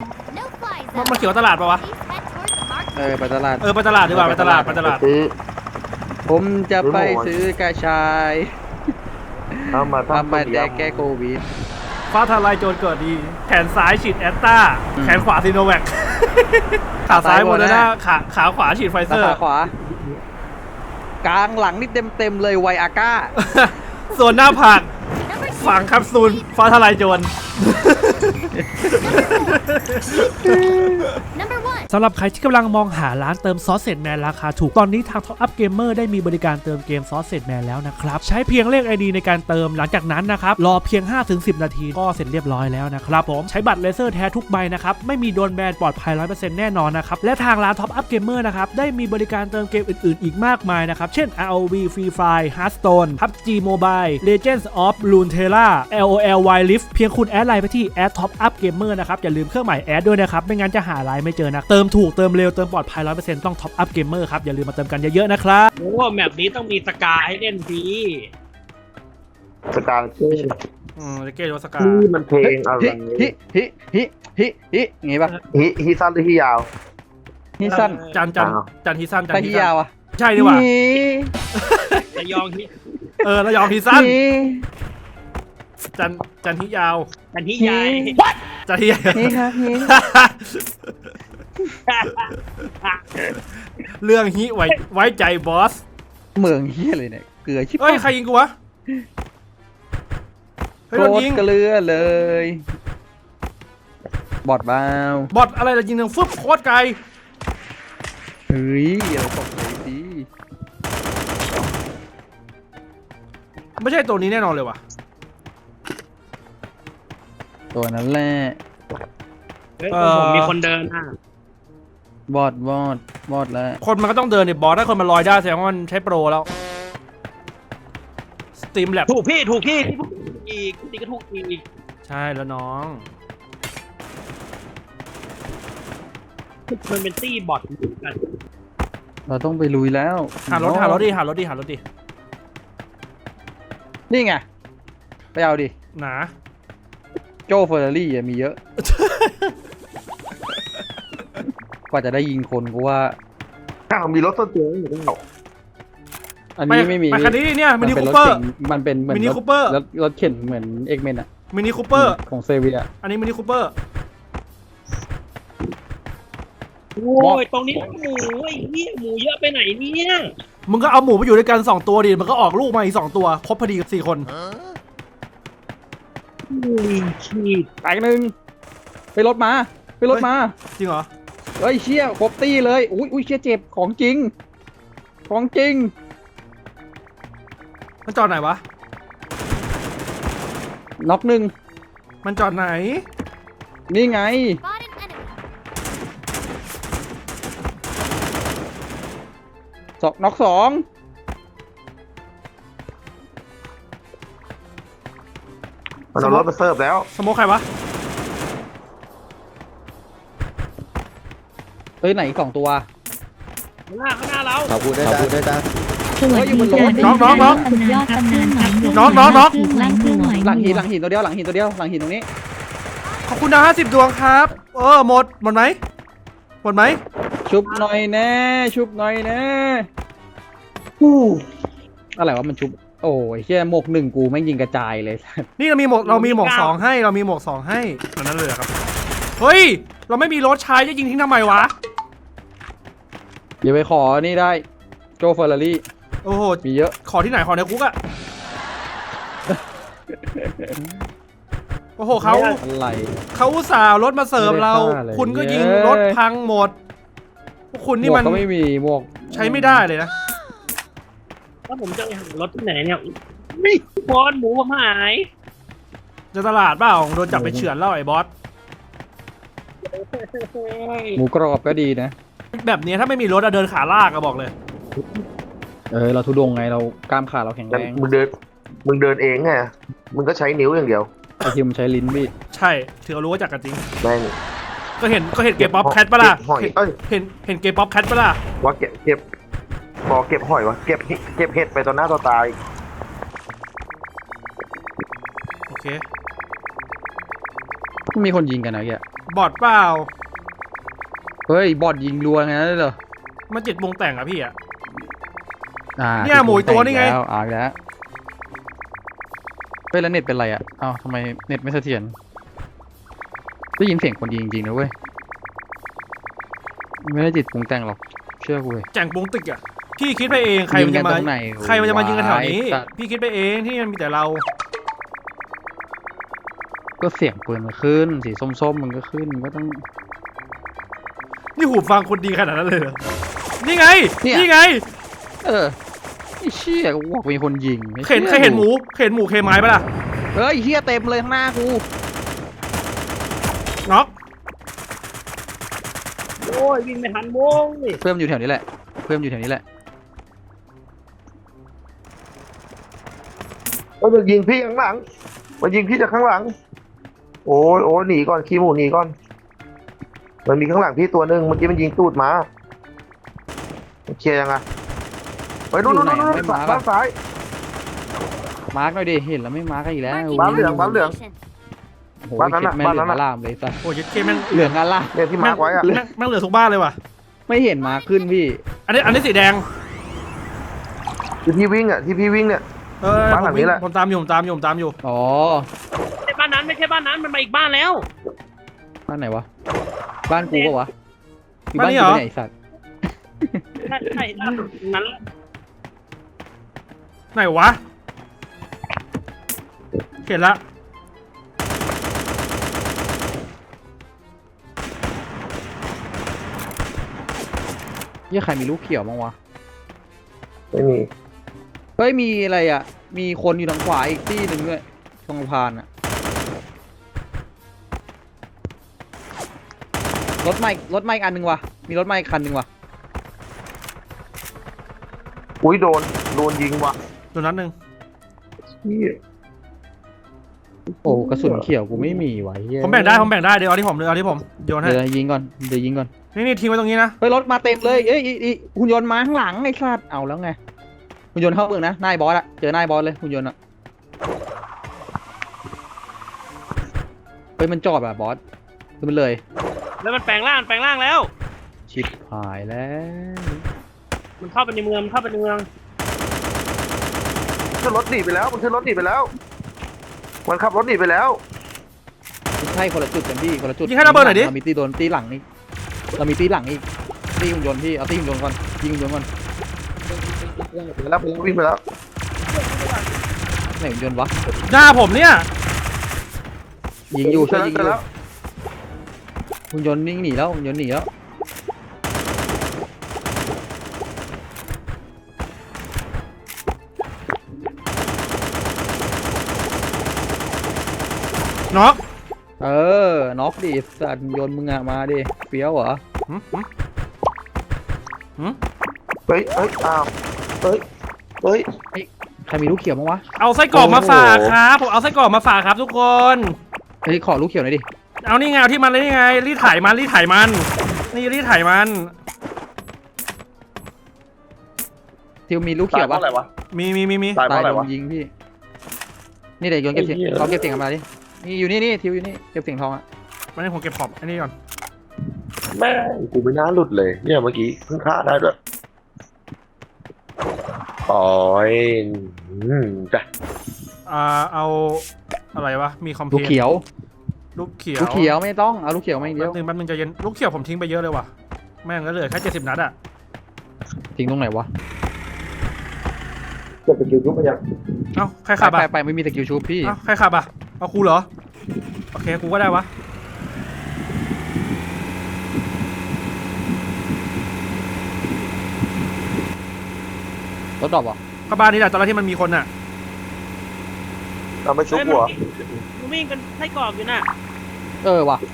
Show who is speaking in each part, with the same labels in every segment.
Speaker 1: มันเขียวตลาดปะวะ
Speaker 2: ไปตลาด
Speaker 1: ไปตลาดดีกว่าไปตลาด
Speaker 2: ผมจะไปซื้อกระชาย
Speaker 3: เอามา
Speaker 2: ทำมาแก้โควิด
Speaker 1: ฟ้าทลายโจรเกิดดีแขนซ้ายฉีดแอสตราแขนขวาซีโนแวคขาซ้ายโมเดอร์นาขาขวาฉีดไฟเซอร์
Speaker 2: ขาขวากลางหลังนี่เต็มเลยไวอาก้า
Speaker 1: ส่วนหน้าผากฝังแคปซูลฟ้าทลายโจรสำหรับใครที่กำลังมองหาร้านเติมซอสเซจแมนราคาถูกตอนนี้ทาง Top Up Gamer ได้มีบริการเติมเกมซอสเซจแมนแล้วนะครับใช้เพียงเลข ID ในการเติมหลังจากนั้นนะครับรอเพียง 5-10 นาทีก็เสร็จเรียบร้อยแล้วนะครับผมใช้บัตรเลเซอร์แท้ทุกใบนะครับไม่มีโดนแบนปลอดภัย 100% แน่นอนนะครับและทางร้าน Top Up Gamer นะครับได้มีบริการเติมเกมอื่นๆอีกมากมายนะครับเช่น ROV Free Fire Hearthstone PUBG Mobile Legends of Runeterra LOL Wild Rift เพียงคุณแอดไลน์ไปที่ @Top Up Gamer นะครับอย่าลืมเครื่องหมายแอดด้วยนะครับไม่งั้นจะหาไลน์ไม่เจอนะเติมถูกเติมเร็วเติมปลอดภัย 100% ต้อง Top Up Gamer ครับอย่าลืมมาเติมกันเยอะๆนะครับ
Speaker 4: โอ้แมปนี้ต้องมีสกาให้เล่นฟรี
Speaker 3: สกาเก้
Speaker 1: เกโรสกา
Speaker 3: ที่มันเพลงอะไร
Speaker 2: ฮิงี้ป่ะ
Speaker 3: ฮิสั้นหรือฮิยาว
Speaker 2: ฮิสั้น
Speaker 1: จันฮิสั้น
Speaker 2: ฮิยาวอ่ะ
Speaker 1: ใช่ดีกว่า
Speaker 4: ระยองฮิ
Speaker 1: ระยองฮิสั้นจันฮิยาว
Speaker 4: จันฮิยาย
Speaker 1: จันฮิยาย
Speaker 2: นี่ครับ
Speaker 1: เรื่องฮิไว้ใจบอส
Speaker 2: เมืองเฮียเลยเนี่ยเกลือชิบ
Speaker 1: ใครยิงกูวะ
Speaker 2: โคตรเกลือเลยบอดบ้า
Speaker 1: บอดอะไรล่ะยิงหนึ่งฟึบโคตรไกล
Speaker 2: เฮ้ยเราตกเลยดิ
Speaker 1: ไม่ใช่ตัวนี้แน่นอนเลยว่ะ
Speaker 2: ตัวนั้นแหละ
Speaker 4: ผมมีคนเดิน
Speaker 2: บอดแล้ว
Speaker 1: คนมันก็ต้องเดินเนี่ยบอสถ้าคนมันลอยได้แสดงว่ามันใช้โปรแล้วสตรีมแลบ
Speaker 4: ถูกพี่อีกตีก็ถูกอีก
Speaker 1: ใช่แล้วน้อง
Speaker 4: มันเป็นตี้บอทกัน
Speaker 2: เราต้องไปลุยแล้ว
Speaker 1: หารถดิ
Speaker 2: นี่ไงไปเอาดิ
Speaker 1: หนา
Speaker 2: โจเฟอร์รารี่มีเยอะกว่าจะได้ยิงคนกูว่า
Speaker 3: มีรถต้นเตียงอยู่แล้ว
Speaker 2: อันนี้ไม่มี
Speaker 1: ไปคันนี้เนี่ยมินิคูเปอร์
Speaker 2: มันเป็นเหมือน
Speaker 1: มินิคูเปอร์
Speaker 2: รถเข็นเหมือนเอ็กเมนอะ
Speaker 1: มินิคูเปอร์
Speaker 2: ของเซเวีย
Speaker 1: อันนี้มินิคูเปอร์
Speaker 4: โอ้ยตรงนี้หมูไอ้เหี้ยหมูเยอะไปไหนเนี่ย
Speaker 1: มึงก็เอาหมูไปอยู่ด้วยกัน2ตัวดิมันก็ออกลูกมาอีก2ตัวครบพอดีกับ4คน
Speaker 4: ชีด
Speaker 2: แตกหนึ่งไปรถมา
Speaker 1: จริงเหรอ
Speaker 2: เฮ้ยเชี่ยครบตี้เลยอุ้ยเชี่ยเจ็บของจริง
Speaker 1: มันจอดไหนวะ
Speaker 2: น็อกหนึ่ง
Speaker 1: มันจอดไหน
Speaker 2: นี่ไงน็อก2
Speaker 3: มันเอารถมาเสิร์ฟแล้ว
Speaker 1: สโมคใครวะ
Speaker 2: เฮ้ยไหน2ตัว
Speaker 4: ข้างหน้าเรา
Speaker 3: ขอบคุณได้จ้า
Speaker 2: สวัสดี
Speaker 1: น้องหลัง
Speaker 2: หินตัวเดียวหลังหินตรงนี้
Speaker 1: ขอบคุณนะ50 ดวงครับหมดไหม
Speaker 2: ชุบหน่อยแน่อะไรวะมันชุบโอ้ยเชี่ยหมวก1กูไม่ยิงกระจายเลย
Speaker 1: นี่เรามีหมวก2ให้นั่นเลยครับเฮ้ยเราไม่มีรถใช้จะยิงทิ้งทำไมวะ
Speaker 2: อย่าไปขอนี่ได้โจเฟอร์รารี่
Speaker 1: โอ้โห
Speaker 2: มีเยอะ
Speaker 1: ขอที่ไหนขอในคุกอะโอ้โหเขาอุตส่าห์รถมาเสิร์ฟเราคุณก็ยิงรถพังหมดพวกคุณนี่มัน
Speaker 2: ก็ไม่มีหมวก
Speaker 1: ใช้ไม่ได้เลยนะ
Speaker 4: ถ้าผมจะหารถที่ไหนเนี่ยไม่บอสหมูผมหาย
Speaker 1: จะตลาดเปล่าโดนจับไปเฉือนแล้วไอ้บอส
Speaker 2: หมูกรอบก็ดีนะ
Speaker 1: แบบนี้ถ้าไม่มีรถเดินขาลากก็บอกเลย
Speaker 2: เราทุดงไงเรากล้ามขาเราแข็งแรง
Speaker 3: มึงเดินเองไงมึงก็ใช้นิ้วอย่างเดียว
Speaker 2: ไอทีมใช้ลิ้นพี่
Speaker 1: ใช่ถือรู้ว่าจักกันจริง
Speaker 3: แม่ง
Speaker 1: ก็เห็นเก็บป๊อปแคทปะล่ะเห็นเก็บป๊อปแคทปะล่ะ
Speaker 3: ว่าเก็บบอกเก็บหอยวะเก็บเห็ดไปต่อหน้าต่อตา
Speaker 1: โอเค
Speaker 2: มีคนยิงกันนะแก
Speaker 1: บอดเปล่า
Speaker 2: เฮ้ยบอดยิงรัวไงนั่นเหรอ
Speaker 1: มันจิตวงแต่งอะพี่อะ
Speaker 2: เนี่ย
Speaker 1: หมูอีกตัวนี่ไง
Speaker 2: แล้วแล้วเฮ้ยแล้วเน็ตเป็นไรอ่ะเอ้าทำไมเน็ตไม่เสถียรได้ยินเสียงคนยิงจริงๆนะเว้ยไม่ได้จิตปรุงแต่งหรอกเชื่อกูเลย
Speaker 1: แจงปงตึกอะพี่คิดไปเองใครมันจะมา
Speaker 2: ยิงกันตรงไหน
Speaker 1: ใครมันจะมายิงกันแถวนี้
Speaker 2: ไอ้สัตว์
Speaker 1: พี่คิดไปเองที่มันมีแต่เรา
Speaker 2: ก็เสียงปืนมันขึ้นสีส้มๆมันก็ขึ้นมันก็ต้อง
Speaker 1: นี่หูฟังคนดีขนาดนั้นเลยเหรอนี่ไง
Speaker 2: เนี่ย
Speaker 1: นี่ไง
Speaker 2: ไอ้เชี่ยกูบอกมีคนยิงไม่
Speaker 1: เห็น
Speaker 2: ชื่อ
Speaker 1: เคยเห็นหมูเคไม้ปะล่ะ
Speaker 2: เฮ้ยเฮียเต็มเลยข้างหน้ากู
Speaker 1: น็อก
Speaker 4: โอ้ยวิ่งไม่ทันวงนี่
Speaker 2: เพิ่มอยู่แถวนี้แหละเพิ่มอยู่แถวนี้แหละ
Speaker 3: มันยิงพี่ข้างหลังมันยิงพี่จากข้างหลังโอ้ยหนีก่อนขี้หมูหนีก่อนมันมีข้างหลังพี่ตัวหนึ่งเมื่อกี้มันยิงตูดมาเคลียร์ยังไงไปนู่นบ้านซ้าย
Speaker 2: มาร์กหน่อยดิเห็นแล้วไม่มาร์กอีกแล้ว
Speaker 3: บ้านเหลืองบ้านเหลือง
Speaker 2: โอ้โห
Speaker 3: บ้านนั้นน่ะ
Speaker 2: แม่ง
Speaker 3: บ้าน
Speaker 2: เหลื
Speaker 3: นั้
Speaker 2: อง
Speaker 3: นน่ะ
Speaker 2: อลามเลยสัส
Speaker 1: โอ้ยเคแม่ง
Speaker 2: เหลืองอลาม
Speaker 3: เนี่ยที่มาร์กไว้อะ
Speaker 1: แม่งเหลือทุกบ้านเลยว่ะ
Speaker 2: ไม่เห็นมาร์กขึ้นพี่
Speaker 1: อันนี้สีแดง
Speaker 3: ที่พี่วิ่งอะที่พี่วิ่งเนี่ย บ้านหลังนี้แหละ
Speaker 1: ผมตามอยู่ผมตามอยู่
Speaker 2: อ๋อ
Speaker 4: ไม่ใช่บ้านนั้นไม่ใช่บ้านนั้นมันมาอีกบ้านแล้ว
Speaker 2: บ้านไหนวะบ้านกูปะวะอยู่
Speaker 1: บ้าน
Speaker 2: บ้าน
Speaker 1: นี้
Speaker 2: กู
Speaker 1: เหรอ
Speaker 2: ไหนไอ้สัตว์
Speaker 4: ใช่ล่าสุดนั้น
Speaker 1: ไหนวะเห็นละ
Speaker 2: เหี้ยใครมีลูกเขียวบ้างวะ
Speaker 3: ไม่มี
Speaker 2: เฮ้ยมีอะไรอ่ะมีคนอยู่ทางขวาอีกที่หนึ่งด้วยตรงสะพานอ่ะรถไม้อีกอันหนึ่งวะมีรถไม้อีกคันหนึ่งวะ
Speaker 3: อุ้ยโดนยิงว่ะ
Speaker 1: ตัวนั้นหนึ่ง
Speaker 2: โอ้กระสุนเขียวกูไม่มีวะเหี้ย
Speaker 1: ผมแบ่งได้เดี๋ยวเอาที่ผมโยนให้
Speaker 2: เดี๋ยวยิงก่อน
Speaker 1: นี่ทิ้งไว้ตรงนี้นะ
Speaker 2: เฮ้ยรถมาเต็มเลยเอ้ยอีหุ่นยนต์มาข้างหลังไอ้สัตว์เอาแล้วไงหุ่นยนต์เข้าเมืองนะนายบอสอะเจอนายบอสเลยหุ่นยนต์อะเฮ้ยมันจอดแบบบอสคือมันเลย
Speaker 4: แล้วมันแปลงร่างแล้ว
Speaker 2: ชิบหายแล้ว
Speaker 4: มันเข้าไปในเมือง
Speaker 3: ขึ้นรถหนีไปแล้วมันขึ้นรถหนีไปแล้วมันขับรถหนีไปแล้ว
Speaker 2: ไม่ใช่คนละจุดกันพี่คนละจุด
Speaker 1: ยิงให้ระเบิดหน่อยดิ
Speaker 2: เรามีตีโดนตีหลังนี่เรามีตีหลังอีกตีหุ่นยนต์พี่เอาตีหุ่นยนต์ก่อนยิงหุ่นยนต์ก่อน
Speaker 3: ไปแล้ววิ่งไปแล้ว
Speaker 2: ไหนหุ่นยนต์วะ
Speaker 1: หน้าผมเนี่ย
Speaker 2: ยิงอยู่ช่วยยิงอ
Speaker 3: เจ
Speaker 2: ยู่
Speaker 3: แล้ว
Speaker 2: หุ่นยนต์นิ่งหนีแล้วหุ่นยนต์หนีแล้ว
Speaker 1: น็อก
Speaker 2: น็อกดิสัตว์หุ่นยนต์มึงอะมาดิเฟี้ยวเหรอ
Speaker 3: เฮ้ยอ้าวเฮ้ย
Speaker 2: ใครมีลูกเขียวบ้างวะ
Speaker 1: เอาไส้กรอกมาฝากครับผมเอาไส้กรอกมาฝากครับทุกคน
Speaker 2: เฮ้ยขอลูกเขียวหน่อยดิ
Speaker 1: เอานี่ไงเอาที่มันเลยนี่ไงรีดไถมันนี่รีดไถมัน
Speaker 2: ทิวมีลูกเขียวปะ
Speaker 1: มี
Speaker 3: ตายเพ
Speaker 2: ตาย
Speaker 3: ราะอะไร
Speaker 2: โด
Speaker 3: วะ
Speaker 2: นยิงพี่นี่เดี๋ยวโยนเก็บเสียงเราเก็บเสียงกันมาดินี่อยู่นี่ทิวอยู่นี่เก็บเสียงทองอะ
Speaker 1: วันนี้ผมเก็บขอบอันนี้ก่อน
Speaker 3: แม่กูไม่น่าหลุดเลยเนี่ยเมื่อกี้เพิ่งฆ่าได้ด้วยปล่อยจ้ะ
Speaker 1: เอาอะไรวะมีคอมเพ
Speaker 2: ลูก
Speaker 1: ล
Speaker 2: เขียว
Speaker 1: ลูกเขียว
Speaker 2: ลูกเขียวไม่ต้องเอาลูกเขียวมาอีกเดียว
Speaker 1: แป๊บนึงใจเย็นลูกเขียวผมทิ้งไปเยอะเลยว่ะแม่งก็เหลือแค่70 นัดอะ
Speaker 2: ทิ้งตรงไหนวะ
Speaker 3: จะไปยืนรูปไปยัง
Speaker 1: เอ้าใครขับอะ
Speaker 2: ไปไม่มีสกิลชูพี่
Speaker 1: เอ้าใครขับอะเอากูเหรอโอเคกูก็ได้วะ
Speaker 2: รถดรอปเหรอ
Speaker 1: ก็บ้านนี้แหละตอนแรกที่มันมีคนอะ
Speaker 3: เราไม่ชุบหัว
Speaker 4: มันวิ่งเป็นไส้กรอกอยู่น่ะ
Speaker 2: ว่ะ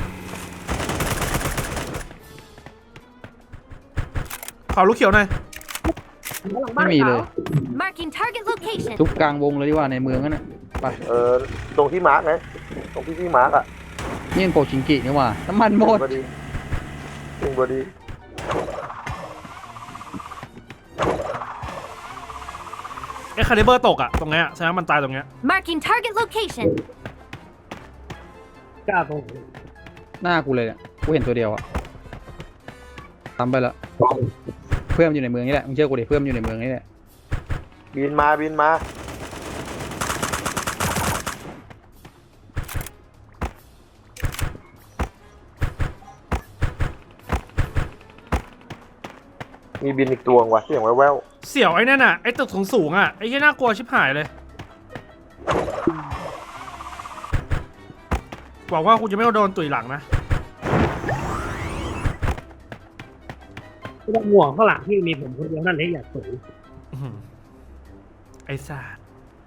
Speaker 1: ขอลูกเขียวหน่อย
Speaker 2: ไม่มีเลย
Speaker 5: Marking target location.
Speaker 2: ทุกกลางวงเลยดีกว่าในเมืองนั่นน่ะไป
Speaker 3: ตรงที่มาร์กไงตรงที่พี่มาร์กอ่ะ
Speaker 2: นี่เป็นโปชิงกินี่หว่าน้ำมันหมด
Speaker 3: พอดีจริงพอดี
Speaker 1: คาลิเบอร์ตกอะตรงเนี้ยแสดงว่ามันตายตรงเนี้ย
Speaker 5: Marking target location.
Speaker 4: กล้าตรง
Speaker 2: หน้ากูเลยเนี่ยกูเห็นตัวเดียวอะทำไปแล้วเพื่อนมันอยู่ในเมืองนี่แหละมึงเชื่อกูดิเพื่อนมันอยู่ในเมืองนี่แหละ
Speaker 3: บินมาบินมามีบินอีกตัวว่ะเสียงแว่ว
Speaker 1: เสี่ยวไอ้นั่นน่ะไอ้ตึกสูงๆอ่ะไอ้ที่น่ากลัวชิบหายเลยหวังว่ากูจะไม่โดนตุ๋ยหลังนะ
Speaker 4: ไม่ต้องห่วงข้างหลังที่มีผมคนเดียวนั่นเองอยากสวย
Speaker 1: อื้อหือไอ้สัส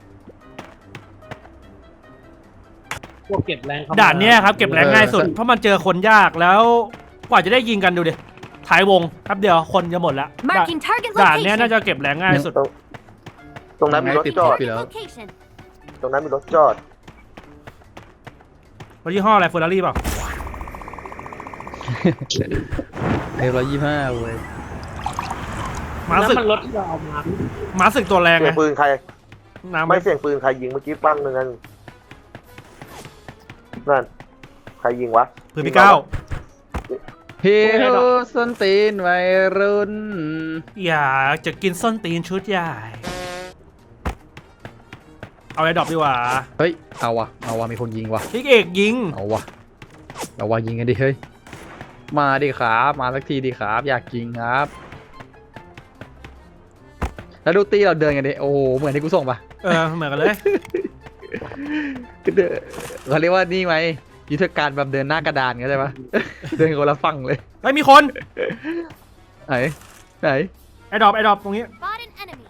Speaker 4: พวกเก็บแรงเข้ม
Speaker 1: ด่านเนี้ยครับเก็บแรงง่ายสุดเพราะมันเจอคนยากแล้วกว่าจะได้ยิงกันดูดิท้ายวงครับเดียวคนจะหมดแล้ว
Speaker 5: Marking target
Speaker 1: ด่านเนี้ยน่า
Speaker 5: location.
Speaker 1: จะเก็บแรงง่ายสุด
Speaker 3: ๆตรงนั้นมีรถจอด
Speaker 5: Target location.
Speaker 3: ตรงนั้นมีรถจอด
Speaker 1: รถยี่ห้ออะไรเฟอร์รารี่เปล่า
Speaker 2: 125เว้ย
Speaker 1: หมา
Speaker 4: แล้ว
Speaker 1: ศึก
Speaker 4: มันรถที่เราเอามา
Speaker 1: หมาศึกตัวแรง
Speaker 3: เสีย
Speaker 1: ไง
Speaker 3: งปืนใคร
Speaker 1: น้ำ
Speaker 3: ไม่เสียงปืนใครยิงเมื่อกี้ปั้งหนึ่งนั่นนั่นใครยิงวะ
Speaker 1: ปืนพี่ก้าว
Speaker 2: เฮ้ยส้นตีนวัยรุ่น
Speaker 1: อยากจะกินส้นตีนชุดใหญ่เอาไอ้ดรอปดีกว่า
Speaker 2: เฮ้ยเอาวะมีคนยิงวะ
Speaker 1: พี่เอกยิง
Speaker 2: เอาวะยิงกันดิเฮ้ยมาดิครับมาสักทีดิครับอยากยิงครับ แล้วดูตีเราเดินกันดิโอ้โหเหมือนที่กูส่งปะ
Speaker 1: เหมือนกันเลย
Speaker 2: เขาเรียกว่านี่ไหมยุทธการแบบเดินหน้ากระดานเข้าใจปะ เดินคนละฝั่งเลย
Speaker 1: เฮ้ยมีคน
Speaker 2: ไหน
Speaker 1: ไอ้ดรอปตรงนี้
Speaker 5: Spot an enemy.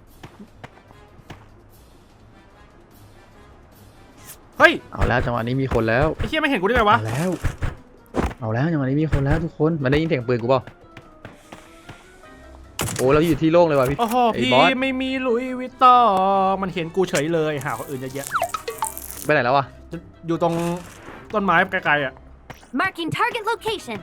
Speaker 1: เฮ้ย
Speaker 2: เอาแล้วจังหวะนี้มีคนแล้ว
Speaker 1: ไอ้เชี่ยไม่เห็นกูได้ไงวะ
Speaker 2: เอาแล้วจังหวะนี้มีคนแล้วทุกคนมันได้ยินเสียงปืนกูเปล่าโอ้เราอยู่ที่โล่งเลยว่ะพี่
Speaker 1: โอ้โห
Speaker 2: ไอ้
Speaker 1: พี่
Speaker 2: บอส
Speaker 1: ไม่มีหลุยส์วิตตองมันเห็นกูเฉยเลยหาคนอื่นเยอะแยะ
Speaker 2: ไปไหนแล้ววะ
Speaker 1: อยู่ตรงต้นไม้ไกลๆอ่ะ
Speaker 5: Marking target location.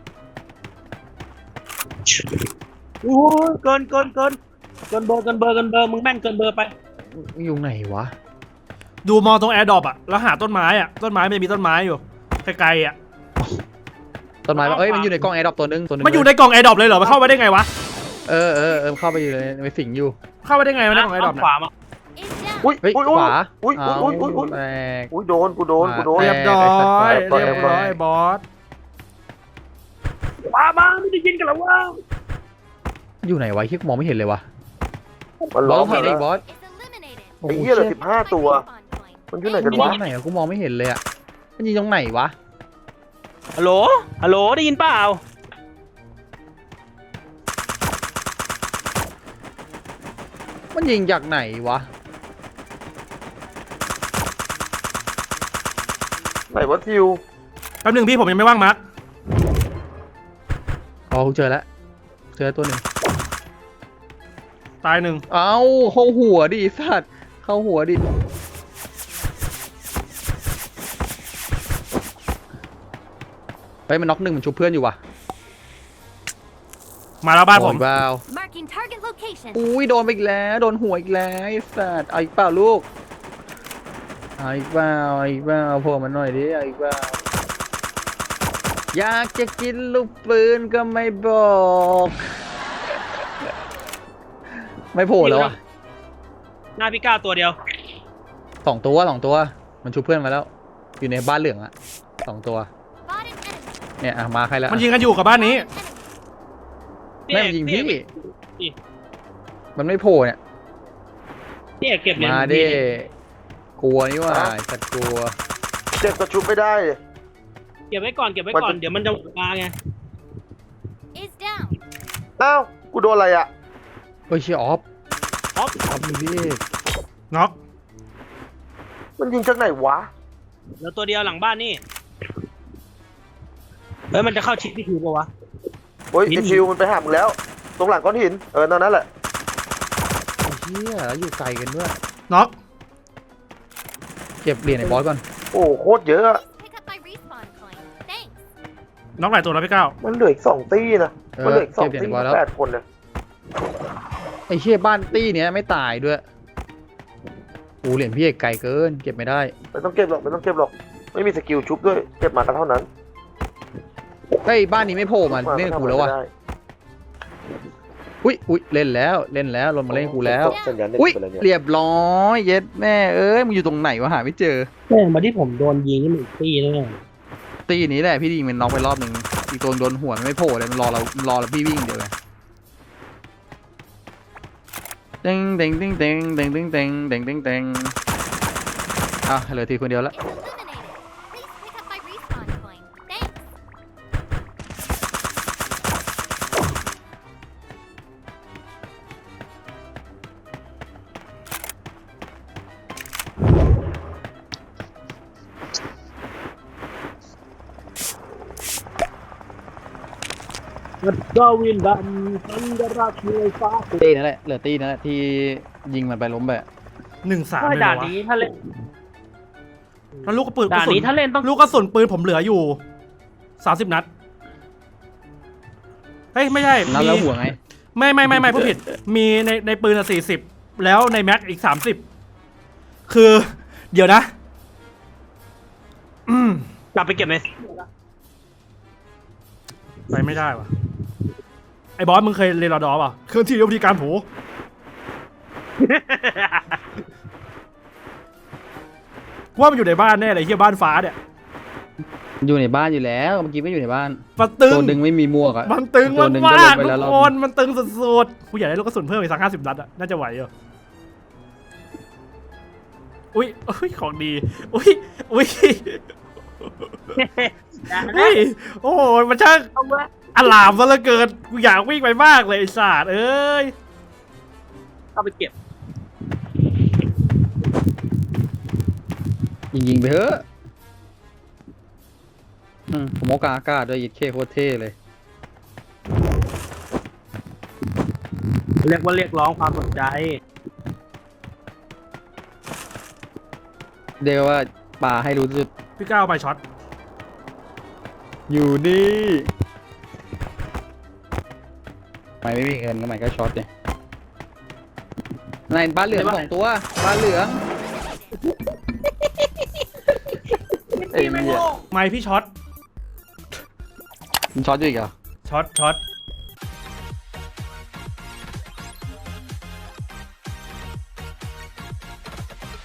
Speaker 4: โอ้ยเกินเบอร์มึงแม่นเกินเบอร์ไป
Speaker 2: อยู่ไหนวะ
Speaker 1: ดูมองตรงแอร์ดรอปอ่ะแล้วหาต้นไม้อ่ะต้นไม้มันจะมีต้นไม้อยู่ไกลๆอ่ะ
Speaker 2: ต้นไม้ปะเอ้ยมันอยู่ในกล้องแอร์ดรอปตัวนึง
Speaker 1: มันอยู่ในกล่องแอร์ดรอปเลยเหรอมันเข้าไปได้ไงวะ
Speaker 2: เออเข้าไปอยู่เลยไปสิงอยู่
Speaker 1: เข้าไปได้ไงวะในกล่องแอร์ดรอป
Speaker 4: ข
Speaker 1: เนี่
Speaker 4: วาย มา
Speaker 5: Is down.
Speaker 3: อุ้ย
Speaker 2: เฮ้ย
Speaker 3: อุ้ย
Speaker 2: ขวา
Speaker 3: อุ้ยอุ้ยอุ้ยอุ้ย
Speaker 2: แตก
Speaker 3: อุ้ยโดนกูโดน
Speaker 1: เรียบร้อย
Speaker 2: แตก
Speaker 1: เรียบร้อยบอส
Speaker 4: มาไม่ได้ยินกันแล้วว่า
Speaker 2: อยู่ไหนวะที่มองไม่เห็นเลยวะ
Speaker 3: มัน
Speaker 2: บ
Speaker 3: ล้
Speaker 2: อ
Speaker 3: อ
Speaker 2: ส
Speaker 3: ม
Speaker 2: เห็น
Speaker 3: แล้
Speaker 2: อี
Speaker 3: ว
Speaker 2: กบอส
Speaker 5: Is eliminated.
Speaker 2: โอ้
Speaker 3: ไอ้
Speaker 2: โห
Speaker 3: เหี้ยเหลือ
Speaker 2: เชี่ย
Speaker 3: 15 ตัว
Speaker 5: Respawn point.
Speaker 3: มันอยู่ไหน
Speaker 2: มั
Speaker 3: กัน น
Speaker 2: ยิง
Speaker 3: วะ
Speaker 2: ตรงไหนอะกูมองไม่เห็นเลยอะมันยิงตรงไหนวะ
Speaker 4: ฮัลโหลได้ยินเปล่า
Speaker 2: มันยิงจากไหนวะ
Speaker 3: ไหนวะทิว
Speaker 1: แป๊บหนึงพี่ผมยังไม่ว่างมาร์ค
Speaker 2: อ๋อกูเจอแล้วตัวหนึ่ง
Speaker 1: ตายหนึ่ง
Speaker 2: เอ้าเข้าหัวดิไอ้สัตว์เข้าหัวดิเฮ้ยมันน็อกหนึ่งมันชุบเพื่อนอยู่ว่ะ
Speaker 1: มาแล้วบ้านผม
Speaker 2: โอ้ยว้าว
Speaker 5: Marking target location.
Speaker 2: อุ้ยโดนไปอีกแล้วโดนหัวอีกแล้วไอ้สัตว์เอาอีกเปล่าลูกเอาอีกเปล่าโผล่มาหน่อยดิเอาอีกเปล่าอยากจะกินลูกปืนก็ไม่บอก ไม่โผล่แล้วอ่ะ
Speaker 4: หน้าพี่ก้าวตัวเดียว
Speaker 2: สองตัวมันชุบเพื่อนมาแล้ว อยู่ในบ้านเหลืองอ่ะ2 ตัว
Speaker 5: Spot an enemy.
Speaker 2: เนี่ยอ่ะมาใครแล้ว
Speaker 1: มันยิงกันอยู่กับบ้านนี้
Speaker 5: Enemy.
Speaker 2: แม่งยิงพี่
Speaker 4: พี่
Speaker 2: มันไม่โผล่เนี่ย
Speaker 4: พี่เอกเก็บเหรียญ
Speaker 2: มาดิกลัวนี่ว่าไอ้สัตว์กลัว
Speaker 3: เจ็บกระชุบไม่ได้
Speaker 4: เก็บไว้ก่อนเดี๋ยวมันจะมาไง
Speaker 5: Is down.
Speaker 3: อ้าวกูโดนอะไรอ่ะ
Speaker 2: เฮ้ยเชียออฟ
Speaker 4: ออฟ
Speaker 2: มีพี่
Speaker 1: น็อก
Speaker 3: มันยิงจากไหนวะ
Speaker 4: แล้วตัวเดียวหลังบ้านนี่เฮ้ยมันจะเข้าชิดพี่ทิวปะวะ
Speaker 3: โอ้ย
Speaker 4: หิน
Speaker 3: ไอทิวมันไปหามึงแล้ว ตรงหลังก้อนหินนั่นแหละ
Speaker 2: ไอ้เชี่ยแล้วอยู่ไกลกันด้วย
Speaker 1: น็อก
Speaker 2: เก็บเหรียญไอ้บอสก่อน
Speaker 3: โอ้โคตรเยอะอะ
Speaker 5: Pick up my respawn coin. Thanks.
Speaker 1: น็อกหลายตัวแล้วพี่ก้าว
Speaker 3: มันเหลืออีก2 ตี้นะมันเหลืออีก
Speaker 2: เก็บ
Speaker 3: 2
Speaker 2: เหรียญ
Speaker 3: ตี้
Speaker 2: ไอ้บอสแล้ว
Speaker 3: 8 คนเนี่ย
Speaker 2: ไอ้เชี่ยบ้านตี้เนี้ยไม่ตายด้วยโอ้เหรียญพี่เอกไกลเกินเก็บไม่ได้
Speaker 3: ไม่ต้องเก็บหรอกไม่มีสกิลชุบด้วยเก็บมากันเท่านั้น
Speaker 2: เฮ้ยบ้านนี้ไม่โผล่มาเล่นกับกูแล้ววะอุ้ยเล่นแล้วลงมาเล่นกับกูแล้ว
Speaker 3: สัญญาณเน็ต
Speaker 2: อุ้ย
Speaker 3: ไปแล้วเนี่ย
Speaker 2: เรียบร้อยเย็ดแม่เอ้ยมึงอยู่ตรงไหนวะหาไม่เจอ
Speaker 4: แม่งมาที่ผมโดนยิงนี่มันอีกตีนึงอะ
Speaker 2: ตีนี้แหละพี่ยิงมันน็อกไปรอบหนึ่งอีกตัวโดนหัวมันไม่โผล่เลยมันรอเราพี่วิ่งเดียวเลยเด้งเด้งเด้งเด้งเด้งเด้งเด้งเด้งเด้งเด้งอ่ะเหลือทีคนเดียวละ
Speaker 5: It's illuminated. Please pick up my respawn coin. Thanks.
Speaker 4: มันก็วินดำทันดราชมวยฟ้า
Speaker 2: ตีนั่นแหละเหลือตีนั่นแหละที่ยิงมันไปล้มไป
Speaker 1: 1-3
Speaker 4: ถ้า
Speaker 1: เลย
Speaker 4: ด่าน
Speaker 1: เหรอวะ
Speaker 4: นี้ถ้าเล่น
Speaker 1: แล้วลูกกระปืน
Speaker 4: ด่านนี้ถ้าเล่นต้อง
Speaker 1: ลูกกระสุนปืนผมเหลืออยู่30 นัดเฮ้ยไม่ใช่
Speaker 2: นัดแล้วหัวไง
Speaker 1: ไม่ผู้ผิดมีในปืนอะ40แล้วในแม็กอีก30คือเดี๋ยวนะ
Speaker 4: กลับไปเก็บไหม
Speaker 1: ไปไม่ได้วะไอ้บอสมึงเคยเรียนรอดอป่ะเครื่องที่วิธีการผูว่ามันอยู่ในบ้านแน่เลยเฮียบ้านฟ้าเนี่ย
Speaker 2: อยู่ในบ้านอยู่แล้วเมื่อกี้ไม่อยู่ในบ้าน
Speaker 1: มันตึง
Speaker 2: ตัวดึงไม่มีหมวกอ่ะ
Speaker 1: มันตึง
Speaker 2: ตัวหนึ่ง
Speaker 1: มาก
Speaker 2: ก็ลงไป
Speaker 1: ๆ
Speaker 2: แล้
Speaker 1: ทุ
Speaker 2: ว
Speaker 1: ก
Speaker 2: รอบ
Speaker 1: คนมันตึงสุดๆกูอยากได้ลูกกระสุนเพิ่มอีกสัก50 นัดอะน่าจะไหวอยู่อุ้ยของดีอุ้ยอุ้ยโอ้โหมันช่าง
Speaker 4: เอาวะ
Speaker 1: อลามซะเหลือเกินกูอยากวิ่งไปมากเลยไอ้สัตว์เอ้ย
Speaker 4: เอาไปเก็บ
Speaker 2: ยิงไปเถอะผมโอกาอากาศด้วยยิดเคโคตรเท่เลย
Speaker 4: เรียกว่าเรียกร้องความสนใจ
Speaker 2: เรียกว่าป่าให้รู้จุด
Speaker 1: พี่ก้าวไปช็อต
Speaker 2: อยู่นี่ไม่มีเงินก็ไม่ก็ช็อตเลยในบ้านเหลือง2 ตัวบ้านเหลืองไอ้เหี้ย
Speaker 1: ไม่พี่ช็อต
Speaker 2: มันช็อตอยู่อีกเหรอ
Speaker 1: ช็อต